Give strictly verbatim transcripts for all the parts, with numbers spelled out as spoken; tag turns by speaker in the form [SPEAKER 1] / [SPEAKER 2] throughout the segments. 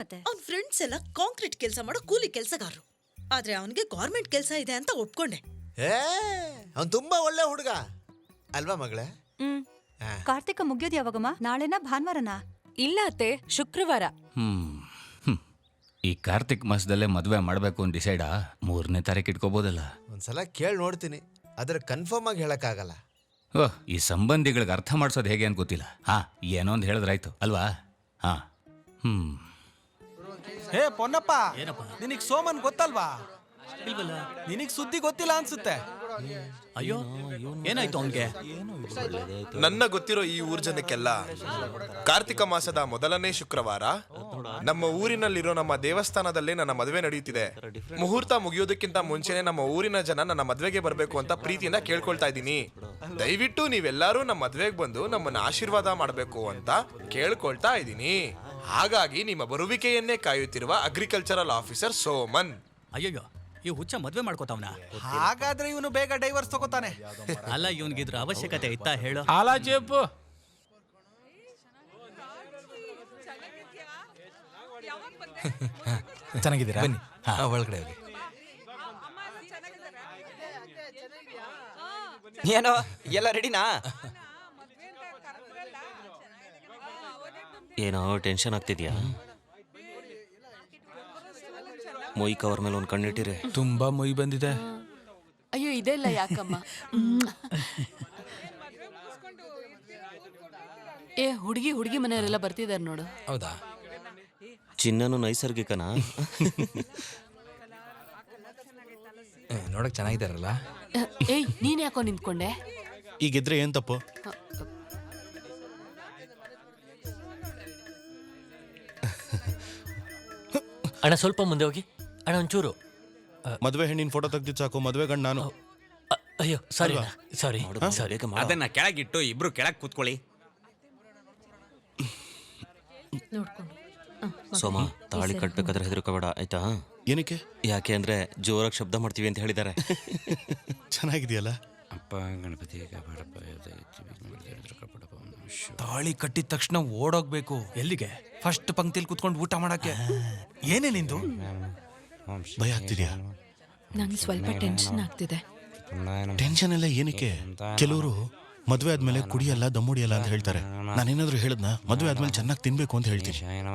[SPEAKER 1] ಅವನ ಫ್ರೆಂಡ್ಸ್ ಎಲ್ಲ ಕಾಂಕ್ರೀಟ್ ಕೆಲಸ ಮಾಡೋ ಕೂಲಿ ಕೆಲಸಗಾರರು. ಆದ್ರೆ ಅವನಿಗೆ ಗೌರ್ಮೆಂಟ್ ಕೆಲಸ ಇದೆ ಅಂತ ಒಪ್ಕೊಂಡೆ.
[SPEAKER 2] ಏ ಅವ್ನು ತುಂಬಾ ಒಳ್ಳೆ ಹುಡುಗ ಅಲ್ವಾ ಮಗಳೇ?
[SPEAKER 3] ಹ್ಮ್ ಕಾರ್ತಿಕ ಮುಗಿಯೋದು ಯಾವಾಗಮ್ಮ? ನಾಳೆನಾ ಭಾನುವಾರನಾ?
[SPEAKER 4] ಇಲ್ಲ ಅತ್ತೆ, ಶುಕ್ರವಾರ.
[SPEAKER 5] ಹ್ಮ್ ಈ ಕಾರ್ತಿಕ್ ಮಾಸದಲ್ಲೇ ಮದ್ವೆ ಮಾಡ್ಬೇಕು ಅಂತ ಡಿಸೈಡಾ? ಮೂರನೇ ತಾರೀಕು ಇಟ್ಕೋಬೋದಲ್ಲ?
[SPEAKER 2] ಒಂದ್ಸಲ ಕೇಳಿ ನೋಡ್ತೀನಿ, ಆದ್ರೆ ಕನ್ಫರ್ಮ್ ಆಗಿ ಹೇಳಕ್ಕಾಗಲ್ಲ.
[SPEAKER 5] ಓಹ್, ಈ ಸಂಬಂಧಿಗಳಿಗೆ ಅರ್ಥ ಮಾಡ್ಸೋದು ಹೇಗೆ ಅಂತ ಗೊತ್ತಿಲ್ಲ. ಹಾ ಏನೋ ಒಂದು ಹೇಳಿದ್ರಾಯ್ತು ಅಲ್ವಾ? ಹಾ ಹ್ಮ್
[SPEAKER 6] ಹೇ ಪೊನ್ನಪ್ಪ, ನಿನಗ್ ಸೋಮನ್ ಗೊತ್ತಲ್ವಾ? ಇಲ್ವಲ್ಲ, ನಿನಗ್ ಸುದ್ದಿ ಗೊತ್ತಿಲ್ಲ ಅನ್ಸುತ್ತೆ.
[SPEAKER 7] ಅಯ್ಯೋ ಏನಾಯ್ತು ಅವನ್ಗೆ?
[SPEAKER 8] ನನ್ನ ಗೊತ್ತಿರೋ ಈ ಊರ್ ಜನಕ್ಕೆಲ್ಲ ಕಾರ್ತಿಕ ಮಾಸದ ಮೊದಲನೇ ಶುಕ್ರವಾರ ನಮ್ಮ ಊರಿನಲ್ಲಿರೋ ನಮ್ಮ ದೇವಸ್ಥಾನದಲ್ಲೇ ನನ್ನ ಮದುವೆ ನಡೆಯುತ್ತಿದೆ. ಮುಹೂರ್ತ ಮುಗಿಯೋದಕ್ಕಿಂತ ಮುಂಚೆನೆ ನಮ್ಮ ಊರಿನ ಜನ ನನ್ನ ಮದ್ವೆಗೆ ಬರ್ಬೇಕು ಅಂತ ಪ್ರೀತಿಯಿಂದ ಕೇಳ್ಕೊಳ್ತಾ ಇದ್ದೀನಿ. ದಯವಿಟ್ಟು ನೀವೆಲ್ಲರೂ ನಮ್ಮ ಮದ್ವೆಗೆ ಬಂದು ನಮ್ಮನ್ನ ಆಶೀರ್ವಾದ ಮಾಡಬೇಕು ಅಂತ ಕೇಳ್ಕೊಳ್ತಾ ಇದ್ದೀನಿ. ಹಾಗಾಗಿ ನಿಮ್ಮ ಬರುವಿಕೆಯನ್ನೇ ಕಾಯುತ್ತಿರುವ ಅಗ್ರಿಕಲ್ಚರಲ್ ಆಫೀಸರ್ ಸೋಮನ್.
[SPEAKER 7] ಅಯ್ಯಯ್ಯೋ, ಈ ಹುಚ್ಚ ಮದ್ವೆ ಮಾಡ್ಕೋತಾವ್ನ?
[SPEAKER 6] ಹಾಗಾದ್ರೆ ಇವನು ಬೇಗ ಡೈವರ್ಸ್ ತಗೋತಾನೆ.
[SPEAKER 7] ಅಲ್ಲ, ಇವನ್ಗಿದ್ರ ಅವಶ್ಯಕತೆ ಇತ್ತಾ ಹೇಳು?
[SPEAKER 9] ಹಾಲ ಚೇಪು
[SPEAKER 6] ಚೆನ್ನಾಗಿದ್ದೀರಾ? ಬನ್ನಿ
[SPEAKER 9] ಒಳಗಡೆ ಹೋಗಿ.
[SPEAKER 10] ಏನೋ ಎಲ್ಲ ರೆಡಿನಾ? ಏನೋ ಟೆನ್ಷನ್ ಆಗ್ತಿದ್ಯಾ? ಮೊಯ್ ಕವರ್ ಮೇಲೆ ಒಂದು ಕಣ್ಣಿಟ್ಟಿರೆ.
[SPEAKER 9] ತುಂಬಾ ಮೊಯ್ ಬಂದಿದೆ.
[SPEAKER 4] ಅಯ್ಯೋ ಇದೆಲ್ಲ ಯಾಕಮ್ಮ? ಏ ಹುಡುಗಿ ಹುಡುಗಿ ಮನೆಯವರೆಲ್ಲ ಬರ್ತಿದಾರೆ ನೋಡು.
[SPEAKER 9] ಹೌದಾ?
[SPEAKER 10] ಚಿನ್ನನು ನೈಸರ್ಗಿಕನಾ?
[SPEAKER 9] ನೋಡಕ್ ಚೆನ್ನಾಗಿದಾರಲ್ಲ.
[SPEAKER 4] ಏಯ್ ನೀನ್ ಯಾಕೋ ನಿಂತ್ಕೊಂಡೆ?
[SPEAKER 11] ಈಗಿದ್ರೆ ಏನ್ ತಪ್ಪು?
[SPEAKER 7] ಅಣ್ಣ ಸ್ವಲ್ಪ ಮುಂದೆ ಹೋಗಿ ಅಣ್ಣ, ಒಂಚೂರು.
[SPEAKER 11] ಮದ್ವೆ ಹೆಣ್ಣಿನ ಫೋಟೋ ತೆಗ್ದಿದ್ ಸಾಕು, ಮದ್ವೆ ಗಂಡ ನಾನು.
[SPEAKER 7] ಅಯ್ಯೋ ಸಾರಿ ಸಾರಿ.
[SPEAKER 10] ಅದನ್ನ ಕೆಳಗಿಟ್ಟು ಇಬ್ರು ಕೆಳಗ್ ಕೂತ್ಕೊಳ್ಳಿ. ಸೋಮ, ತಾಳಿ ಕಟ್ಬೇಕಾದ್ರೆ ಹೆದರ್ಕೋಬೇಡ ಆಯ್ತಾ?
[SPEAKER 11] ಏನಕ್ಕೆ?
[SPEAKER 10] ಯಾಕೆ ಅಂದ್ರೆ ಜೋರಾಗಿ ಶಬ್ದ ಮಾಡ್ತೀವಿ ಅಂತ ಹೇಳಿದ್ದಾರೆ.
[SPEAKER 11] ಚೆನ್ನಾಗಿದೆಯಲ್ಲ?
[SPEAKER 5] ಅಪ್ಪ ಗಣಪತಿ
[SPEAKER 6] ತಾಳಿ ಕಟ್ಟಿದ ತಕ್ಷಣ ಓಡೋಗ್ಬೇಕು.
[SPEAKER 7] ಎಲ್ಲಿಗೆ?
[SPEAKER 6] ಫಸ್ಟ್ ಪಂಕ್ತಿಲಿ ಕುತ್ಕೊಂಡು ಊಟ ಮಾಡಕ್ಕೆ. ಏನೇ ನಿಂದು?
[SPEAKER 11] ಭಯ ಆಗ್ತಿದ್ಯಾ?
[SPEAKER 4] ನಂಗೆ ಸ್ವಲ್ಪ ಟೆನ್ಷನ್ ಆಗ್ತಿದೆ.
[SPEAKER 11] ಟೆನ್ಷನ್ ಎಲ್ಲ ಏನಕ್ಕೆ? ಕೆಲವರು ಮದ್ವೆ ಆದ್ಮೇಲೆ ಕುಡಿಯಲ್ಲ ದಮ್ಮುಡಿಯಲ್ಲ ಅಂತ ಹೇಳ್ತಾರೆ. ನಾನೇನಾದ್ರೂ ಹೇಳದ್ನ? ಮದ್ವೆ ಆದ್ಮೇಲೆ ಚೆನ್ನಾಗಿ ತಿನ್ಬೇಕು ಅಂತ ಹೇಳ್ತೀನಿ.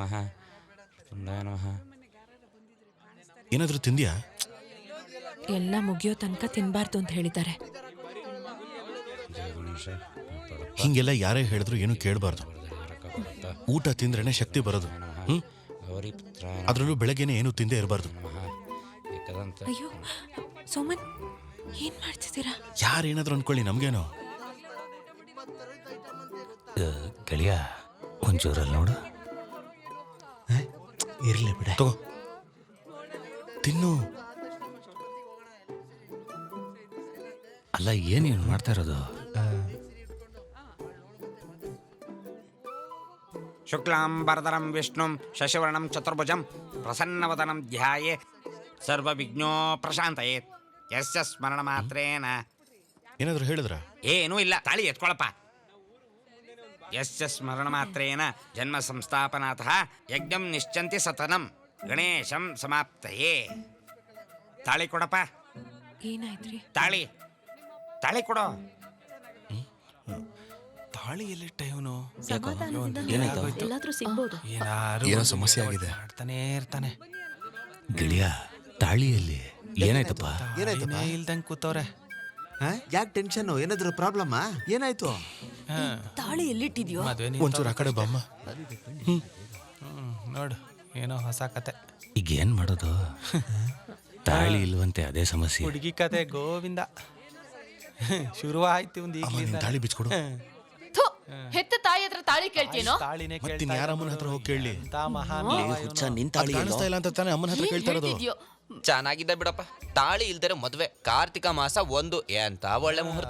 [SPEAKER 11] ಏನಾದ್ರೂ ತಿಂದ್ಯಾ?
[SPEAKER 4] ಎಲ್ಲ ಮುಗಿಯೋ ತನಕ ತಿನ್ಬಾರ್ದು ಅಂತ ಹೇಳಿದ್ದಾರೆ.
[SPEAKER 11] ಹಿಂಗೆಲ್ಲ ಯಾರೇ ಹೇಳಿದ್ರು ಏನು ಕೇಳಬಾರ್ದು. ಊಟ ತಿಂದ್ರೇನೆ ಶಕ್ತಿ ಬರೋದು. ಹ್ಮ್ ಅದ್ರಲ್ಲೂ ಬೆಳಗ್ಗೆನೆ ಏನು ತಿಂದೇ ಇರಬಾರ್ದು.
[SPEAKER 4] ಅಯ್ಯೋ ಸೋಮನ್, ಏನ್ ಮಾಡ್ತಿದ್ದೀರಾ?
[SPEAKER 11] ಯಾರೇನಾದ್ರೂ ಅನ್ಕೊಳ್ಳಿ, ನಮ್ಗೇನೋ.
[SPEAKER 5] ಗೆಳೆಯ ಒಂಚೂರಲ್ಲಿ ನೋಡು.
[SPEAKER 2] ಇರ್ಲಿ ಬಿಡ,
[SPEAKER 11] ತಗೋ ತಿನ್ನು.
[SPEAKER 5] ಅಲ್ಲ ಏನೇನು ಮಾಡ್ತಾ ಇರೋದು?
[SPEAKER 10] ಶುಕ್ಲಾಂಬರಧರಂ ವಿಷ್ಣುಂ ಶಶಿವರ್ಣಂ ಚತುರ್ಭುಜಂ ಪ್ರಸನ್ನವದನಂ ಧ್ಯಾಯೇ ಸರ್ವವಿಘ್ನೋ ಪ್ರಶಾಂತಯೇ. ಯಸ್ಯ ಸ್ಮರಣ ಮಾತ್ರೇನ.
[SPEAKER 11] ಏನಾದ್ರೂ ಹೇಳಿದ್ರ?
[SPEAKER 10] ಏನೂ ಇಲ್ಲ, ತಾಳಿ ಎತ್ಕೊಳಪ್ಪ. ಯಸ್ಯ ಸ್ಮರಣ ಮಾತ್ರೇನ ಜನ್ಮ ಸಂಸ್ಥಾಪನಾತಃ ಯಜ್ಞಂ ನಿಶ್ಚಂತಿ ಸತನಂ ಗಣೇಶಂ ಸಮಾಪ್ತಯೇ. ತಾಳಿ ಕೊಡಪ್ಪ.
[SPEAKER 4] ಏನಾಯ್ತ್ರಿ?
[SPEAKER 10] ತಾಳಿ ತಾಳಿ ಕೊಡೋ.
[SPEAKER 6] ತಾಳಿ ಎಲ್ಲಿಟ್ಟ ಇವನು?
[SPEAKER 4] ಎಲ್ಲಾದ್ರೂ ಸಿಗ್ಬೋದು.
[SPEAKER 11] ಏನೋ ಸಮಸ್ಯೆ ಆಗಿದೆ.
[SPEAKER 6] ಮಾಡ್ತಾನೆ ಇರ್ತಾನೆ.
[SPEAKER 5] ಗೆಳೆಯ ತಾಳಿಯಲ್ಲಿ ಏನಾಯ್ತಪ್ಪ?
[SPEAKER 2] ಏನಾಯ್ತಪ್ಪ?
[SPEAKER 6] ಇಲ್ದಂಗ್ ಕೂತವ್ರೆ.
[SPEAKER 2] ಯಾಕೆ ಟೆನ್ಷನ್? ಏನಾದ್ರು ಪ್ರಾಬ್ಲಮ್? ಏನಾಯ್ತು?
[SPEAKER 4] ತಾಳಿ ಎಲ್ಲಿಟ್ಟಿದ್ಯೋ?
[SPEAKER 6] ಮದ್ವೆ
[SPEAKER 11] ಒಂಚೂರು ಆ ಕಡೆ ಬಾಮ್ಮ. ಹ್ಮ್
[SPEAKER 6] ನೋಡು, ಏನೋ ಹೊಸ ಕತೆ.
[SPEAKER 5] ಈಗ ಏನ್ ಮಾಡೋದು? ತಾಳಿ ಇಲ್ವಂತೆ, ಅದೇ ಸಮಸ್ಯೆ.
[SPEAKER 6] ಹುಡುಗಿ ಕತೆ ಗೋವಿಂದ. ಶುರುವಾಯ್ತು ಒಂದು ಈಗಲಿಂದ.
[SPEAKER 11] ತಾಳಿ ಬಿಚ್ಕೊಡು.
[SPEAKER 4] ಹೆತ್ತ ತಾಯಿ ಹತ್ರ ತಾಳಿ ಕೇಳ್ತೀನೋ?
[SPEAKER 6] ತಾಳಿನೇ
[SPEAKER 11] ಮತ್ತಿನ್ ಯಾರ ಅಮ್ಮನ ಹತ್ರ ಹೋಗಿ ಕೇಳಿ?
[SPEAKER 10] ಕಾಣಿಸ್ತಾ
[SPEAKER 11] ಇಲ್ಲ ಅಂತ ತಾನೇ ಅಮ್ಮನ ಹತ್ರ ಕೇಳ್ತಾ ಇರೋದು.
[SPEAKER 10] ಚೆನ್ನಾಗಿದ್ದ ಬಿಡಪ್ಪ. ತಾಳಿ ಇಲ್ದರೆ ಮದ್ವೆ. ಕಾರ್ತಿಕ ಮಾಸ ಒಂದು ಎಂತ ಒಳ್ಳೆ ಮುಹೂರ್ತ.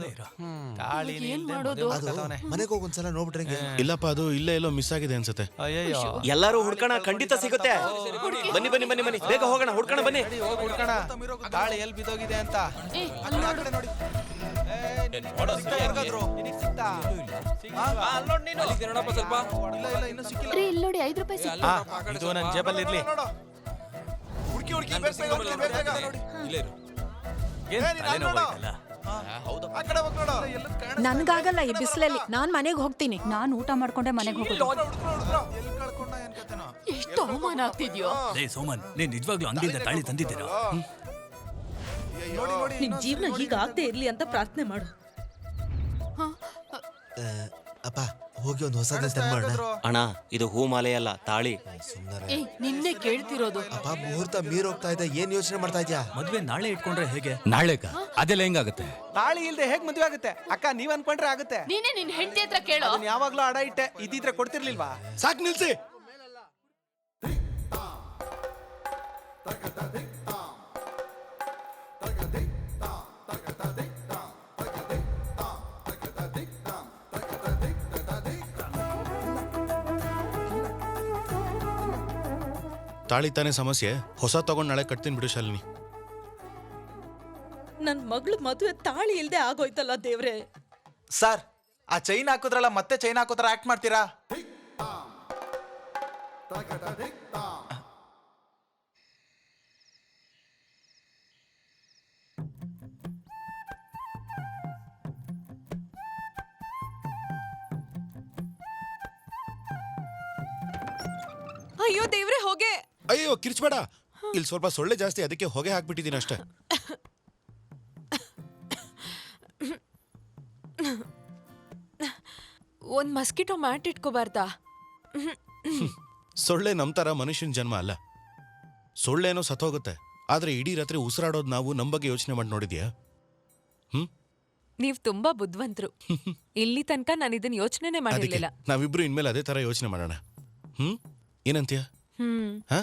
[SPEAKER 2] ಮನೆಗೆ ಹೋಗಿ ಒಂದ್ಸಲ ನೋಡ್ಬಿಟ್ರೆ.
[SPEAKER 11] ಇಲ್ಲಪ್ಪ, ಅದು ಇಲ್ಲೇ ಎಲ್ಲೋ ಮಿಸ್ ಆಗಿದೆ ಅನ್ಸುತ್ತೆ.
[SPEAKER 6] ಅಯ್ಯೋ,
[SPEAKER 10] ಎಲ್ಲರೂ ಹುಡ್ಕಣ, ಖಂಡಿತ ಸಿಗುತ್ತೆ. ಬನ್ನಿ ಬನ್ನಿ ಬನ್ನಿ ಬನ್ನಿ, ಬೇಗ ಹೋಗೋಣ, ಹುಡ್ಕಣ ಬನ್ನಿ.
[SPEAKER 6] ಹುಡ್ಕಣ. ತಾಳಿ ಎಲ್ಲಿ ಬಿದ್ದೋಗಿದೆ ಅಂತ.
[SPEAKER 4] ಏ, ಅಲ್ಲಿ ನೋಡು.
[SPEAKER 6] ನೋಡಿ. ಸಿಗ್ತಾ ಯಾರಿಗಾದ್ರು? ನಿನಗ್ ಸಿಗ್ತಾ? ಆ? ಇಲ್ಲ ಇಲ್ಲ ಇನ್ನೂ ಸಿಕ್ಕಿಲ್ಲ.
[SPEAKER 4] ಇಲ್ಲಿ ನೋಡಿ ಐದು ರೂಪಾಯಿ ಸಿಕ್ತು.
[SPEAKER 6] ಆ, ಇದು ನನ್ನ ಜೇಬಲ್ಲಿ ಇರ್ಲಿ.
[SPEAKER 8] ಹುಡುಕಿ ಹುಡುಕಿ ಬೇಗ ಬೇಗ ಹುಡ್ಕಿ, ಬೇಗ ಬೇಗ.
[SPEAKER 6] ಏನ್
[SPEAKER 8] ಏ, ನೀನ್ ಅಲ್ಲಿ ನೋಡು. ಆ ಕಡೆ ಹೋಗ್ ನೋಡು.
[SPEAKER 4] ನನ್ಗಾಗಲ್ಲ ಈ ಬಿಸಿಲಲ್ಲಿ ನಾನ್ ಮನೆಗೆ ಹೋಗ್ತೀನಿ.
[SPEAKER 3] ನಾನು ಊಟ ಮಾಡ್ಕೊಂಡೆ ಮನೆಗೆ ಹೋಗೋದು.
[SPEAKER 8] ಹುಡ್ಕ್ರು, ಹುಡ್ಕ್ರು.
[SPEAKER 6] ಎಲ್ಲಿ ಕಳ್ಕೊಂಡ ಏನ್ ಕತೆನೋ?
[SPEAKER 4] ಎಷ್ಟು ಅವಮಾನ ಆಗ್ತಿದ್ಯೋ.
[SPEAKER 7] ಲೇ ಸೋಮನ್ ನೀನ್ ನಿಜವಾಗ್ಲೂ ಅಂಗಡಿಯಿಂದ ತಾಳಿ ತಂದಿದ್ದೀರಾ?
[SPEAKER 6] ನೋಡಿ ನೋಡಿ
[SPEAKER 1] ನಿನ್ ಜೀವನ ಹೀಗಾಗದೆ ಇರ್ಲಿ ಅಂತ ಪ್ರಾರ್ಥನೆ ಮಾಡು.
[SPEAKER 2] ಅಪ್ಪ ಹೋಗಿ ಒಂದು ಹೊಸದ ತಂದ್ಮಾಡ.
[SPEAKER 7] ಅಣ್ಣ ಇದು ಹೂ ಮಾಲೆ ಅಲ್ಲ ತಾಳಿ.
[SPEAKER 2] ಸುಂದರ
[SPEAKER 4] ಏಯ್ ನಿನ್ನೆ ಕೇಳ್ತಿರೋದು.
[SPEAKER 2] ಅಪ್ಪ ಮುಹೂರ್ತ ಮೀರ್ ಹೋಗ್ತಾ ಇದೆ, ಏನ್ ಯೋಚನೆ ಮಾಡ್ತಾ ಇದ್ಯಾ?
[SPEAKER 7] ಮದ್ವೆ ನಾಳೆ ಇಟ್ಕೊಂಡ್ರೆ ಹೇಗೆ?
[SPEAKER 5] ನಾಳೆಕ ಅದೆಲ್ಲ ಹೆಂಗಾಗುತ್ತೆ?
[SPEAKER 6] ತಾಳಿ ಇಲ್ದೆ ಹೇಗ್ ಮದ್ವೆ ಆಗುತ್ತೆ? ಅಕ್ಕ ನೀವ್ ಅನ್ಕೊಂಡ್ರೆ ಆಗುತ್ತೆ.
[SPEAKER 4] ನೀನೇ ನಿನ್ ಹೆಂಡತಿ ಹತ್ರ ಕೇಳೋ.
[SPEAKER 6] ಅದನ್ನ ಯಾವಾಗ್ಲೂ ಅಡ ಇಟ್ಟೆ, ಇದ್ದಿದ್ರೆ ಕೊಡ್ತಿರ್ಲಿಲ್ವಾ?
[SPEAKER 11] ಸಾಕ್ ನಿಲ್ಸಿ. ತಾಳಿ ತಾನೇ ಸಮಸ್ಯೆ. ಹೊಸ ತಗೊಂಡ್ ನಾಳೆ ಕಟ್ತೀನಿ ಬಿಡು ಶಾಲಿನಿ.
[SPEAKER 1] ನನ್ ಮಗಳು ಮದುವೆ ತಾಳಿ ಇಲ್ದೆ ಆಗೋಯ್ತಲ್ಲ ದೇವ್ರೆ.
[SPEAKER 6] ಸರ್ ಆ ಚೈನ್ ಹಾಕೋದ್ರಲ್ಲ ಮತ್ತೆ ಚೈನ್ ಹಾಕೋತರ ಆಕ್ಟ್ ಮಾಡ್ತೀರಾ?
[SPEAKER 4] ಅಯ್ಯೋ ದೇವ್ರೆ ಹೋಗೆ.
[SPEAKER 11] ಅಯ್ಯೋ ಕಿರ್ಚ್ಬೇಡ. ಇಲ್ಲಿ ಸ್ವಲ್ಪ ಸೊಳ್ಳೆ ಜಾಸ್ತಿ, ಅದಕ್ಕೆ ಹೊಗೆ ಹಾಕ್ಬಿಟ್ಟಿದ್ದೀನಿ ಅಷ್ಟೇ.
[SPEAKER 4] ಒಂದ್ ಮಸ್ಕಿಟೋ ಮ್ಯಾಟ್ ಇಟ್ಕೋಬಾರ್ದಾ?
[SPEAKER 11] ಸೊಳ್ಳೆ ನಮ್ ತರ ಮನುಷ್ಯನ ಜನ್ಮ ಅಲ್ಲ. ಸೊಳ್ಳೆನೋ ಸತ್ತೋಗುತ್ತೆ, ಆದ್ರೆ ಇಡೀ ರಾತ್ರಿ ಉಸಿರಾಡೋದು ನಾವು ನಮ್ ಬಗ್ಗೆ ಯೋಚನೆ ಮಾಡಿ ನೋಡಿದ್ಯಾ? ಹ್ಮ್
[SPEAKER 4] ನೀವ್ ತುಂಬಾ ಬುದ್ಧಿವಂತರು. ಇಲ್ಲಿ ತನಕ ನಾನು ಇದನ್ನ ಯೋಚನೆನೇ
[SPEAKER 11] ಅದಕ್ಕೆ
[SPEAKER 4] ಮಾಡಿರ್ಲಿಲ್ಲ.
[SPEAKER 11] ನಾವಿಬ್ರು ಇನ್ಮೇಲೆ ಅದೇ ತರ ಯೋಚನೆ ಮಾಡೋಣ. ಹ್ಮ್ ಏನಂತೀಯ?
[SPEAKER 4] ಹ್ಮ್
[SPEAKER 11] ಹ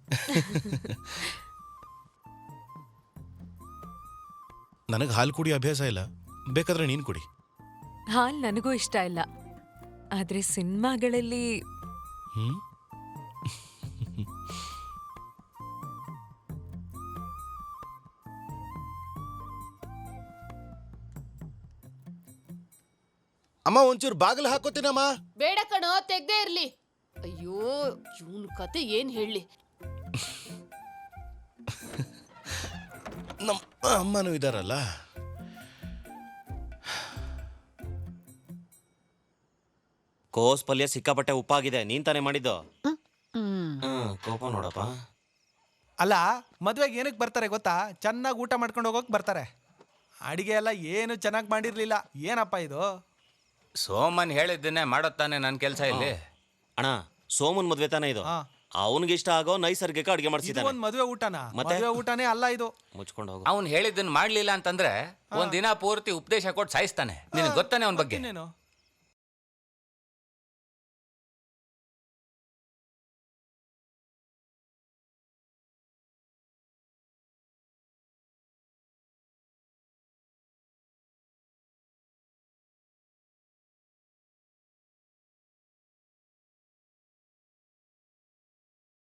[SPEAKER 11] ನನಗ್ ಹಾಲು ಕುಡಿ ಅಭ್ಯಾಸ ಇಲ್ಲ, ಬೇಕಾದ್ರೆ ನೀನ್ ಕುಡಿ.
[SPEAKER 4] ಹಾಲ್ ನನಗೂ ಇಷ್ಟ ಇಲ್ಲ, ಆದ್ರೆ ಸಿನಿಮಾಗಳಲ್ಲಿ
[SPEAKER 11] ಹ್ಮ್ ಅಮ್ಮ ಒಂಚೂರು ಬಾಗಿಲು ಹಾಕೋತೀನಮ್ಮ.
[SPEAKER 4] ಬೇಡ ಕಣೋ, ತೆಗ್ದೇ ಇರ್ಲಿ. ಅಯ್ಯೋ ಇವನ್ ಕತೆ ಏನ್ ಹೇಳಿ.
[SPEAKER 11] ನಮ್ಮ ಅಮ್ಮನೂ ಇದಾರಲ್ಲ.
[SPEAKER 7] ಕೋಸ್ ಪಲ್ಯ ಸಿಕ್ಕಾಪಟ್ಟೆ ಉಪ್ಪಾಗಿದೆ. ನೀನ್ ತಾನೇ ಮಾಡಿದ್ದು? ಕೋಪ ನೋಡಪ್ಪ.
[SPEAKER 6] ಅಲ್ಲ ಮದ್ವೆಗೆ ಏನಕ್ಕೆ ಬರ್ತಾರೆ ಗೊತ್ತಾ? ಚೆನ್ನಾಗಿ ಊಟ ಮಾಡ್ಕೊಂಡು ಹೋಗೋಕ್ ಬರ್ತಾರೆ. ಅಡಿಗೆ ಎಲ್ಲ ಏನು ಚೆನ್ನಾಗಿ ಮಾಡಿರ್ಲಿಲ್ಲ. ಏನಪ್ಪ ಇದು?
[SPEAKER 5] ಸೋಮನ್ ಹೇಳಿದ್ದನ್ನೇ ಮಾಡೋತ್ತಾನೆ ನನ್ನ ಕೆಲಸ ಇಲ್ಲಿ.
[SPEAKER 7] ಅಣ್ಣ ಸೋಮನ್ ಮದ್ವೆ ತಾನೇ ಇದು.
[SPEAKER 6] ಹಾ.
[SPEAKER 7] ಅವನಿಗೆ ಇಷ್ಟ ಆಗೋ ನೈಸರ್ಗಿಕ ಅಡಿಗೆ
[SPEAKER 6] ಇದು
[SPEAKER 7] ಮಾಡಿಸಿದ್ದಾನೆ.
[SPEAKER 6] ಒಂದ್ ಮದ್ವೆ ಊಟನ?
[SPEAKER 7] ಮತ್ತೆ?
[SPEAKER 6] ಮದ್ವೆ ಊಟನೇ ಅಲ್ಲ ಇದು.
[SPEAKER 7] ಮುಚ್ಕೊಂಡು ಹೋಗು.
[SPEAKER 5] ಅವ್ನು ಹೇಳಿದ್ದನ್ನ ಮಾಡ್ಲಿಲ್ಲ ಅಂತಂದ್ರೆ ಒಂದ್ ದಿನ ಪೂರ್ತಿ ಉಪದೇಶ ಕೊಟ್ಟು ಸಾಯಿಸ್ತಾನೆ. ನಿನಗೆ ಗೊತ್ತಾನೆ ಅವನ ಬಗ್ಗೆ?
[SPEAKER 6] ಇನ್ನೇನು?